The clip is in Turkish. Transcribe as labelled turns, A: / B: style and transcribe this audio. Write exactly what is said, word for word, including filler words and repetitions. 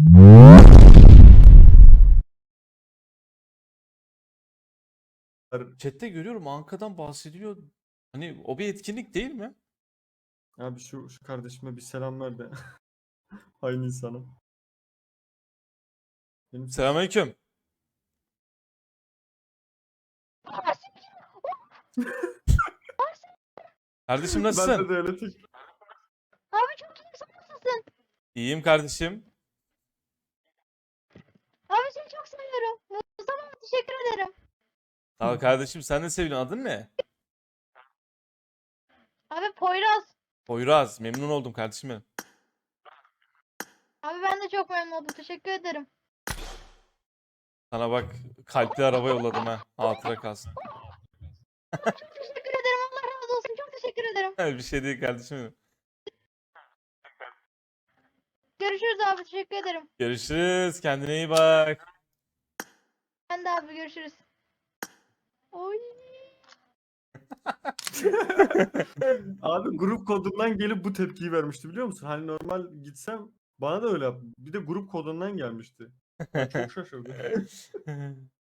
A: Chat'te görüyorum Anka'dan bahsediliyor. Hani o bir etkinlik değil mi?
B: Abi şu, şu kardeşime bir selam ver de. Aynı insana. Benim ses.
A: Selamünaleyküm. Kardeşim
B: Bende
A: nasılsın?
B: de öyle tek.
C: Abi çok iyiyim, sen nasılsın?
A: İyiyim kardeşim.
C: Abi seni çok seviyorum. Mustafa abi, teşekkür ederim.
A: Sağ ol kardeşim, sen de seviliyorsun. Adın ne?
C: Abi Poyraz.
A: Poyraz. Memnun oldum kardeşim benim.
C: Abi ben de çok memnun oldum. Teşekkür ederim.
A: Sana bak kalpli araba yolladım ha. Hatıra kalsın.
C: Çok teşekkür ederim. Allah razı olsun. Çok teşekkür ederim.
A: Bir şey değil kardeşim benim.
C: Görüşürüz abi. Teşekkür ederim.
A: Görüşürüz. Kendine iyi bak.
C: Ben de abi görüşürüz. Oy.
B: Abi grup kodundan gelip bu tepkiyi vermişti biliyor musun? Hani normal gitsem bana da öyle yap. Bir de grup kodundan gelmişti. Ben çok şaşırdım.